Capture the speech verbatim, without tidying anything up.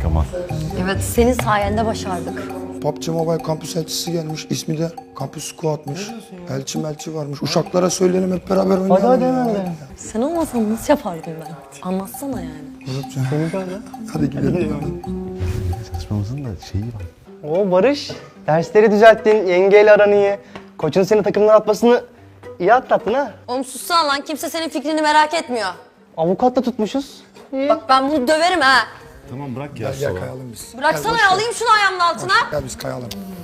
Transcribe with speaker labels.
Speaker 1: ama.
Speaker 2: Evet, senin sayende başardık.
Speaker 3: P U B G Mobile kampüs elçisi gelmiş. İsmi de Kampüs Squad'mış. Elçi melçi varmış. Uşaklara söyleyelim hep beraber oynayalım.
Speaker 4: Hadi hadi
Speaker 3: ya.
Speaker 4: hemen de.
Speaker 2: Sen olmasan nasıl yapardım ben? Anlatsana yani.
Speaker 4: Senin böyle.
Speaker 3: Hadi gidelim.
Speaker 1: Çalışmamızın da şeyi var.
Speaker 4: Oo Barış, dersleri düzelttin, yengeyle aran iyi. Koçun seni takımdan atmasını iyi atlattın ha.
Speaker 2: Oğlum sussana lan, kimse senin fikrini merak etmiyor.
Speaker 4: Avukat da tutmuşuz. İyi.
Speaker 2: Bak ben bunu döverim ha.
Speaker 1: Tamam bırak ya.
Speaker 3: Gel, gel kayalım biz.
Speaker 2: Bıraksana
Speaker 3: Gel,
Speaker 2: ya,
Speaker 3: boş ver.
Speaker 2: alayım şunu ayağımın altına.
Speaker 3: Gel biz kayalım.